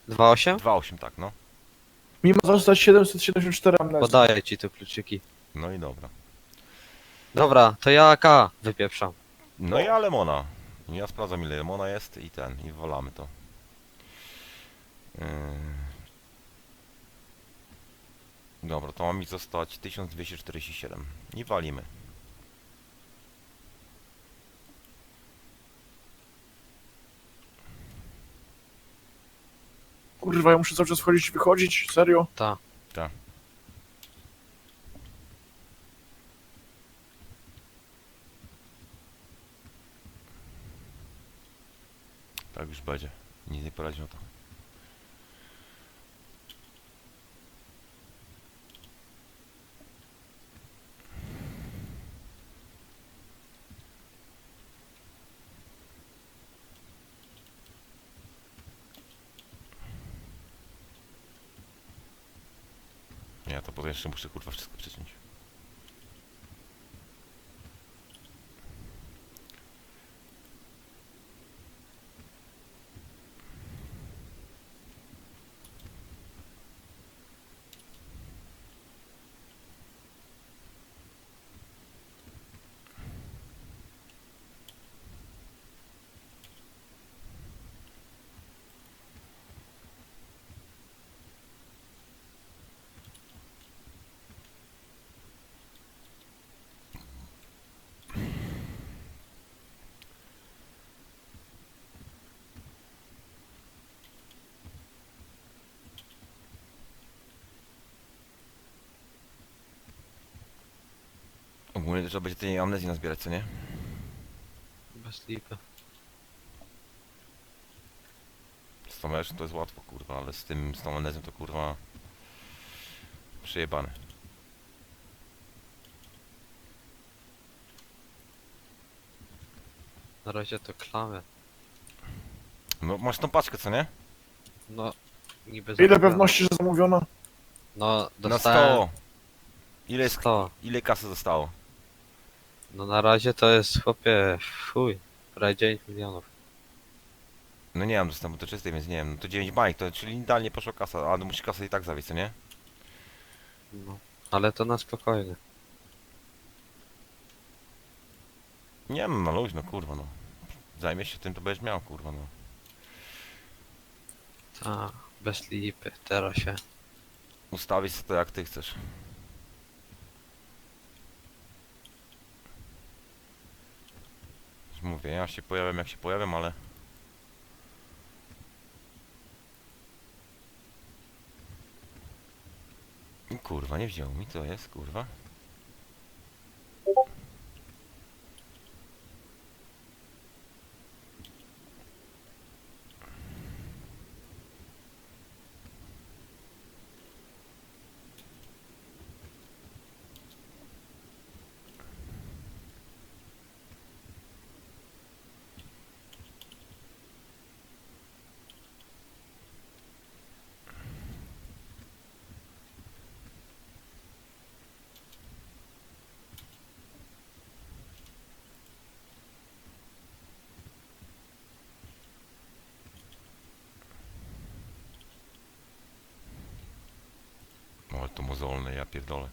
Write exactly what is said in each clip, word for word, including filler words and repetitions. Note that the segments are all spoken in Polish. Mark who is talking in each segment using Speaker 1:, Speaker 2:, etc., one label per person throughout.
Speaker 1: dwa osiem?
Speaker 2: dwa osiem, tak, no.
Speaker 3: Mimo zostać siedemset siedemdziesiąt cztery amnestii.
Speaker 1: Podaję ci te kluczyki.
Speaker 2: No i dobra.
Speaker 1: Dobra, to ja A K wypieprzam.
Speaker 2: No i ja lemona. Ja sprawdzam ile lemona jest i ten, i wolamy to. Yy... Dobra, to ma mi zostać tysiąc dwieście czterdzieści siedem. I walimy.
Speaker 3: Kurwa, ja muszę cały czas wchodzić i wychodzić, serio?
Speaker 1: Ta.
Speaker 2: Tak. Tak już będzie. Nic nie poradzi na to. Ja to potem jeszcze muszę kurwa wszystko przeciąć. Ogólnie to trzeba będzie tej amnezji nazbierać, co nie?
Speaker 1: Bez lipy.
Speaker 2: Z tą meczem to jest łatwo, kurwa, ale z tym, z tą amnezją to kurwa... Przejebane.
Speaker 1: Na razie to klamy.
Speaker 2: No masz tą paczkę, co nie?
Speaker 1: No, niby
Speaker 3: Ile
Speaker 1: zamówione.
Speaker 3: pewności, że zamówiono?
Speaker 1: No,
Speaker 2: Na
Speaker 1: dostałem
Speaker 2: sto! Ile, jest,
Speaker 1: sto.
Speaker 2: ile kasy zostało?
Speaker 1: No na razie to jest, chłopie, chuj. Prawie dziewięć milionów.
Speaker 2: No nie mam dostępu do czystej, więc nie wiem. No to dziewięć bajek, to czyli idealnie poszła kasa, a no musisz kasę i tak zawieźć, co nie?
Speaker 1: No. Ale to na spokojnie.
Speaker 2: Nie wiem, no luźno, kurwa, no. Zajmiesz się tym, to będziesz miał, kurwa, no.
Speaker 1: Ta, bez lipy, teraz się.
Speaker 2: Ustawić sobie to jak ty chcesz. Już mówię, ja się pojawiam jak się pojawiam, ale... Kurwa, nie wziął mi, to jest, kurwa. O, ale to mozolne, ja pierdolę.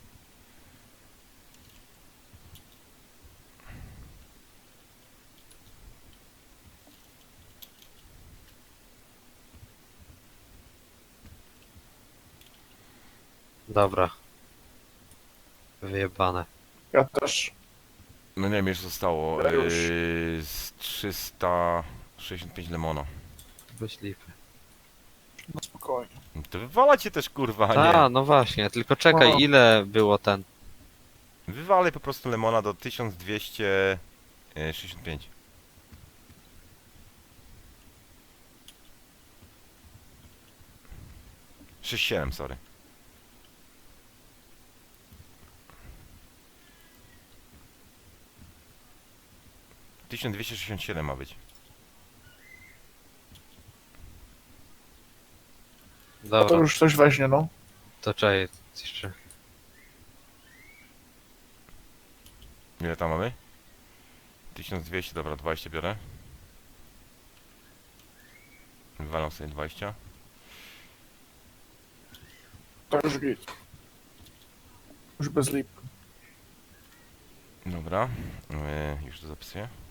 Speaker 1: Dobra. Wyjebane.
Speaker 3: Ja też.
Speaker 2: No nie wiem, jeszcze zostało
Speaker 3: Ja już.
Speaker 2: yy, z trzysta sześćdziesiąt pięć lemona.
Speaker 1: Bez lipy.
Speaker 3: No spokojnie.
Speaker 2: No to wywalajcie też, kurwa, a
Speaker 1: A,
Speaker 2: nie.
Speaker 1: no właśnie, tylko czekaj,
Speaker 3: O.
Speaker 1: ile było ten?
Speaker 2: Wywalaj po prostu lemona do tysiąc dwieście sześćdziesiąt pięć. sześćdziesiąt siedem, sorry. tysiąc dwieście sześćdziesiąt siedem ma być.
Speaker 3: A to
Speaker 1: Dobra,
Speaker 3: już coś weźmie, no.
Speaker 1: to czekaj, jeszcze.
Speaker 2: Ile tam mamy? tysiąc dwieście, dobra, dwadzieścia biorę. Wywalam sobie dwadzieścia.
Speaker 3: Już git. Już bez lip.
Speaker 2: Dobra, yy, już to zapisuję.